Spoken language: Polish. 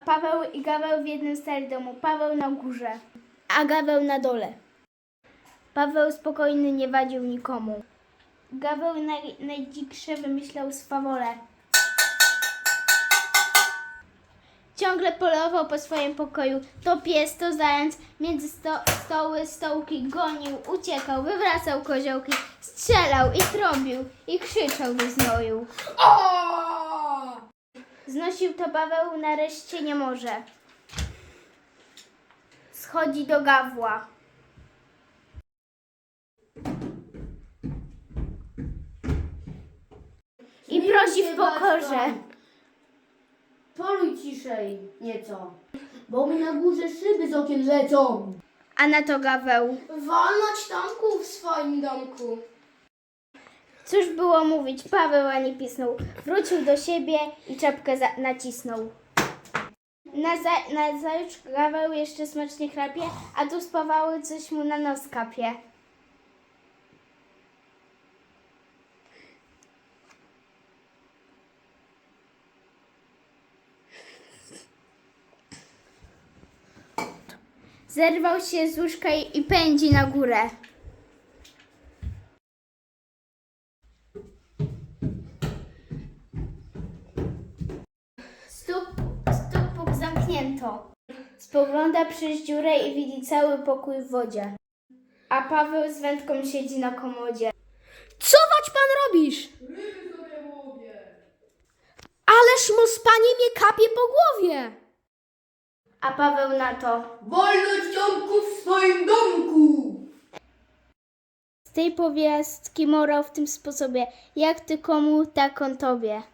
Paweł i Gaweł w jednym starym domu. Paweł na górze, a Gaweł na dole. Paweł spokojny, nie wadził nikomu. Gaweł najdziksze wymyślał swawole. Ciągle polował po swoim pokoju. To pies, to zając, między stoły, stołki gonił, uciekał, wywracał koziołki, strzelał i trąbił i krzyczał do znoju. Znosił to Paweł, nareszcie nie może. Schodzi do Gawła. I prosi w pokorze. Poluj ciszej nieco, bo mi na górze szyby z okien lecą. A na to Gaweł. Wolność Tomku w swoim domku. Cóż było mówić, Paweł ani pisnął. Wrócił do siebie i czapkę nacisnął. Nazajutrz Gaweł jeszcze smacznie chrapie, a tu spawały coś mu na nos kapie. Zerwał się z łóżka i pędzi na górę. Stóp puk zamknięto. Spogląda przez dziurę i widzi cały pokój w wodzie. A Paweł z wędką siedzi na komodzie. Co wać pan robisz? Ależ mu spanie mnie kapie po głowie. A Paweł na to. Wolność Tomku w swoim domku. Z tej powiastki morał w tym sposobie. Jak ty komu, tak on tobie.